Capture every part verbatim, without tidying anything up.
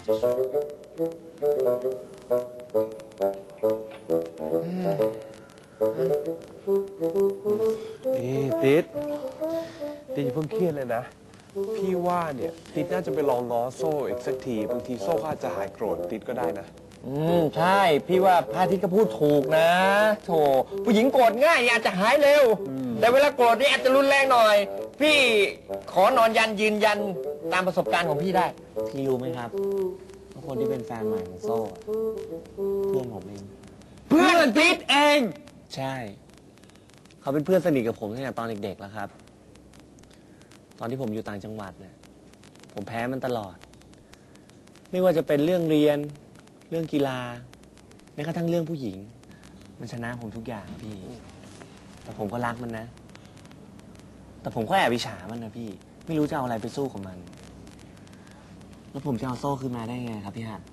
นี่ติ๊ดติ๊ดอย่าเพิ่งเครียดเลยนะพี่ว่าเนี่ยติ๊ดน่าจะไปลองง้อโซ่อีกสักทีบางทีโซ่ก็อาจจะหายโกรธติ๊ดก็ได้นะอืมใช่พี่ว่าพระอาทิตย์ก็พูดถูกนะโถผู้หญิงโกรธง่ายอาจจะหายเร็วแต่เวลาโกรธนี่อาจจะรุนแรงหน่อยพี่ขอนอนยันยืนยันตามประสบการณ์ของพี่ได้พี่รู้ไหมครับว่าคนที่เป็นแฟนใหม่ของโซ่เพื่อนผมเองเพื่อนติ๊ดเองใช่เขาเป็นเพื่อนสนิทกับผมตั้งแต่ตอนเด็กๆแล้วครับตอนที่ผมอยู่ต่างจังหวัดเนี่ยผมแพ้มันตลอดไม่ว่าจะเป็นเรื่องเรียนเรื่องกีฬาแม้กระทั่งเรื่องผู้หญิงมันชนะผมทุกอย่างพี่แต่ผมก็รักมันนะแต่ผมก็แอบอิจฉามันนะพี่ไม่รู้จะเอาอะไรไปสู้กับมันแล้วผมจะเอาโซ่คืนมาได้ไงครับพี่ฮัท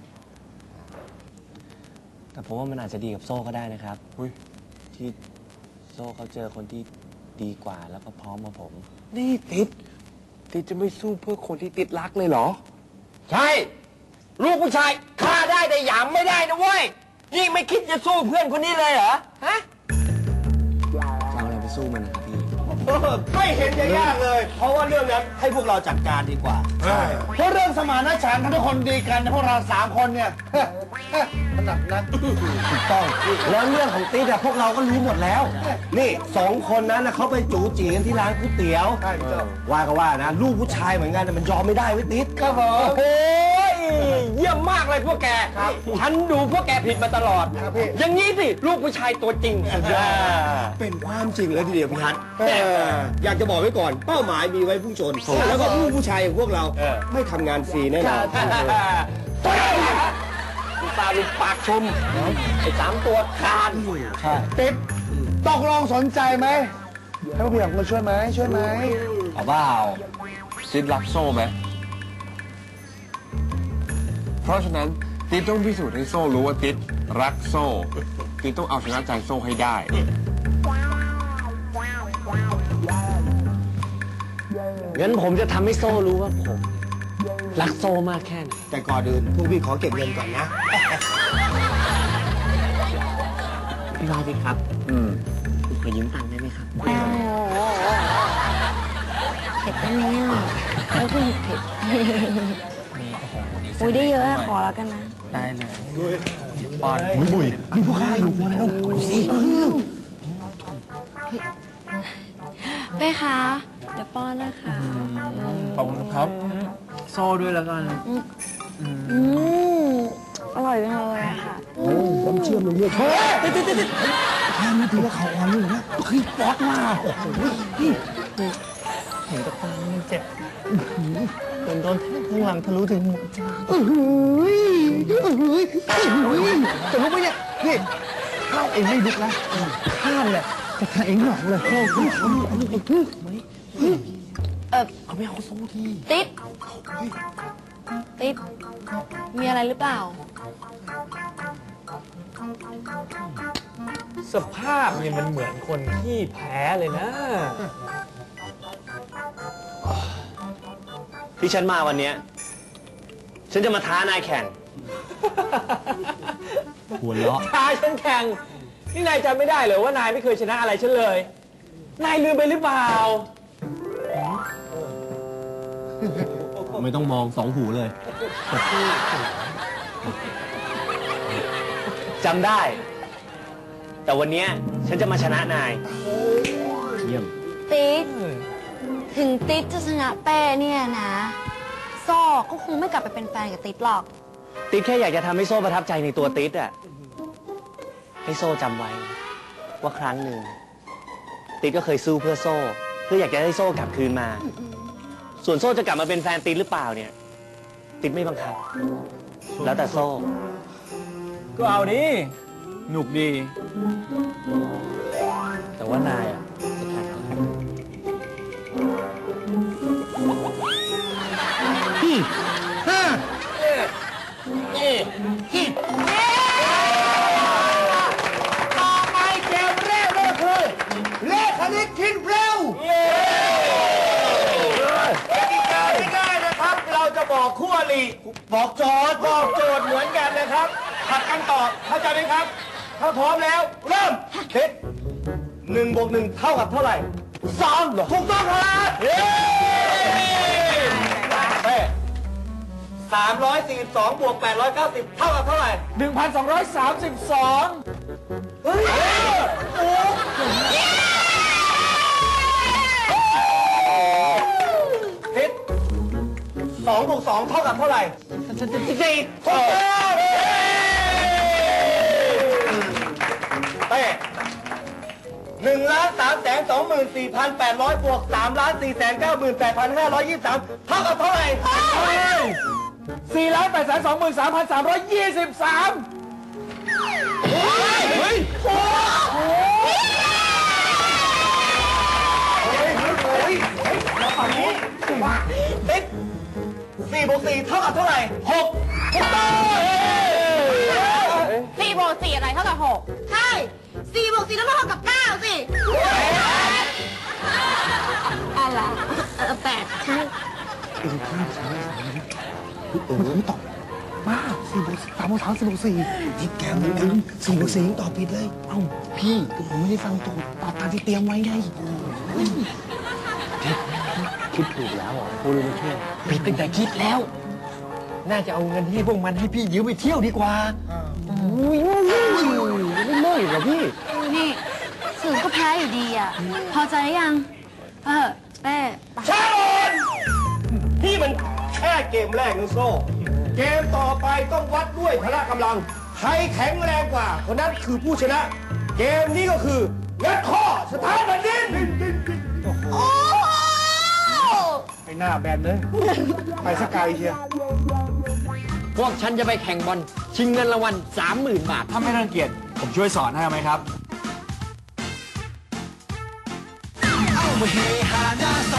แต่ผมว่ามันอาจจะดีกับโซ่ก็ได้นะครับที่โซ่เขาเจอคนที่ดีกว่าแล้วก็พร้อมมาผมนี่ติ๊ดติ๊ดจะไม่สู้เพื่อคนที่ติ๊ดรักเลยเหรอใช่ลูกผู้ชายฆ่าได้แต่หยามไม่ได้นะเว้ยนี่ไม่คิดจะสู้เพื่อนคนนี้เลยเหรอฮะจะเอาอะไรไปสู้มันนะครับพี่ไม่เห็นจะยากเลยเพราะว่าเรื่องนั้นให้พวกเราจัดการดีกว่าใช่เพราะเรื่องสมานฉันท์ทุกคนดีกันพวกเราสามคนเนี่ยถนัดนักถูกต้องแล้วเรื่องของติ๊ดอะพวกเราก็รู้หมดแล้วนี่สองคนนั้นนะเขาไปจู๋จีกันที่ร้านก๋วยเตี๋ยวว่าก็ว่านะลูกผู้ชายเหมือนกันมันยอมไม่ได้เว้ยติ๊ดครับผมโอ้ยเยี่ยมมากเลยพวกแกฉันดูพวกแกผิดมาตลอดอย่างนี้สิลูกผู้ชายตัวจริงเป็นความจริงเลยทีเดียวพี่ฮัทอยากจะบอกไว้ก่อนเป้าหมายมีไว้พุ่งชนแล้วก็ลูกผู้ชายอย่างพวกเราไม่ทำงานฟรีแน่นอนตาลุกปากชมไอ้สามตัวคานติ๊บตกลงสนใจไหมให้พี่อยากมาช่วยไหมช่วยไหมเอาเปล่าติ๊ดรักโซ่ไหมเพราะฉะนั้นติ๊ดต้องพิสูจน์ให้โซ่รู้ว่าติ๊ดรักโซ่ติ๊ดต้องเอาชนะใจโซ่ให้ได้งั้นผมจะทำให้โซ่รู้ว่าผมรักโซ่มากแค่ไหนแต่ก่อนอื่นพวกพี่ขอเก็บเงินก่อนนะพี่วาดิครับอืมขอยืมตังค์ได้ไหมครับโอ้โหเผ็ดได้ไหมอ่ะแล้วก็หยิบเผ็ดอุ้ยได้เยอะอะขอแล้วกันนะได้เลยปอนบุยบุยมีพวกข้าอยู่มาแล้วสิเป้คะเดี๋ยวป้อนนะคะขอบคุณครับโซ่ด้วยแล้วกันอืมอร่อยจังเลยอะค่ะผมเชื่อมเลยเนี่ยเฮ้ยติดติดติดแค่นี้ถือว่าเขาอ่อนเลยนะเฮ้ยป๊อตมาโอ้โหเห็นกับตามันเจ็บโดนโดนข้างหลังทะลุถึงหัวใจเฮ้ยเฮ้ยเฮ้ยจะลุกไหมเนี่ยนี่ข้าเองไม่ลุกนะข้าเนี่ยจะทำเองหรอกเลยเฮ้ยเฮ้ยเฮ้ยเออเอาไม่เอาโซ่ทีติ๊ดติ๊ดมีอะไรหรือเปล่าสภาพเนี่ยมันเหมือนคนที่แพ้เลยนะที่ฉันมาวันนี้ฉันจะมาท้านายแข่งหัวเราะท้าฉันแข่งนี่นายจำไม่ได้เหรอว่านายไม่เคยชนะอะไรฉันเลยนายลืมไปหรือเปล่าไม่ต้องมองสองหูเลยจำได้แต่วันนี้ฉันจะมาชนะนายเยี่ยมติ๊ดถึงติ๊ดจะชนะเป้เนี่ยนะโซ่ก็คงไม่กลับไปเป็นแฟนกับติ๊ดหรอกติ๊ดแค่อยากจะทำให้โซ่ประทับใจในตัวติ๊ดอะให้โซ่จำไว้ว่าครั้งหนึ่งติ๊ดก็เคยสู้เพื่อโซ่เพื่ออยากจะให้โซ่กลับคืนมาส่วนโซ่จะกลับมาเป็นแฟนติ๊ดหรือเปล่าเนี่ยติ๊ดไม่บังคับแล้วแต่โซ่ก็เอาดิหนุกดีแต่ว่านายอ่ะจะแข่งพี่ฮ่าต่อไปเกมแรกก็คือเลขคณิตคิดเร็วกติกาง่ายๆนะครับเราจะบอกบอกคู่อริบอกโจทย์บอกโจทย์เหมือนกันนะครับผัดกันตอบเข้าใจไหมครับ ถ้าพร้อมแล้ว เริ่มทิศหนึ่งบวกหนึ่งเท่ากับเท่าไหร่สองถูกต้องครับเย้เป้สามร้อยสี่สิบสองบวกแปดร้อยเก้าสิบเท่ากับเท่าไหร่หนึ่งพันสองร้อยสามสิบสองเฮ้ยโอ้ทิศสองบวกสองเท่ากับเท่าไหร่สี่ถูกต้องเป้หนึ่งล้านสามแสนสองหมื่นสี่พันแปดร้อยบวกสามล้านสี่แสนเก้าหมื่นแปดพันห้าร้อยยี่สิบสามเท่ากับเท่าไหร่สี่ล้านแปดแสนสองหมื่นสามพันสามร้อยยี่สิบสามเฮ้ยโอ้โหมาฝั่งนี้ติ๊กสี่บวกสี่เท่ากับเท่าไหร่หกถูกต้องสี่บวกสี่อะไรเท่ากับหกใช่สี่บวกสี่ต้องเท่ากับเก้าสิอะไรเออแปดใช่เออไม่ตอบบ้าสี่บวกสามบวกสามสี่บวกสี่ที่แกเหมือนกันสี่บวกสี่ตอบผิดเลยเอ้าพี่ผมไม่ได้ฟังถูกตอบตามที่เตรียมไว้ไงคิดถูกแล้วพูดเลยมาช่วยผิดตั้งแต่คิดแล้ว น่าจะเอาเงินให้พวกมันให้พี่ยืมไปเที่ยวดีกว่าอุ้ยไม่เลิกเหรอพี่นี่สื่อก็แพ้อยู่ดีอ่ะ พอใจหรือยัง เออเป้ไปชาบอนนี่มันแค่เกมแรกนะโซ่ เกมต่อไปต้องวัดด้วยพละกำลัง ใครแข็งแรงกว่า คนนั้นคือผู้ชนะ เกมนี้ก็คืองัดข้อสถานแผ่นดินโอ้โหไอ้หน้าแบนเลย ไปสกายเชียพวกฉันจะไปแข่งบอลชิงเงินรางวัลสามหมื่นบาทถ้าไม่รังเกียจผมช่วยสอนให้ไหมครับเอามาเฮฮาหน้าส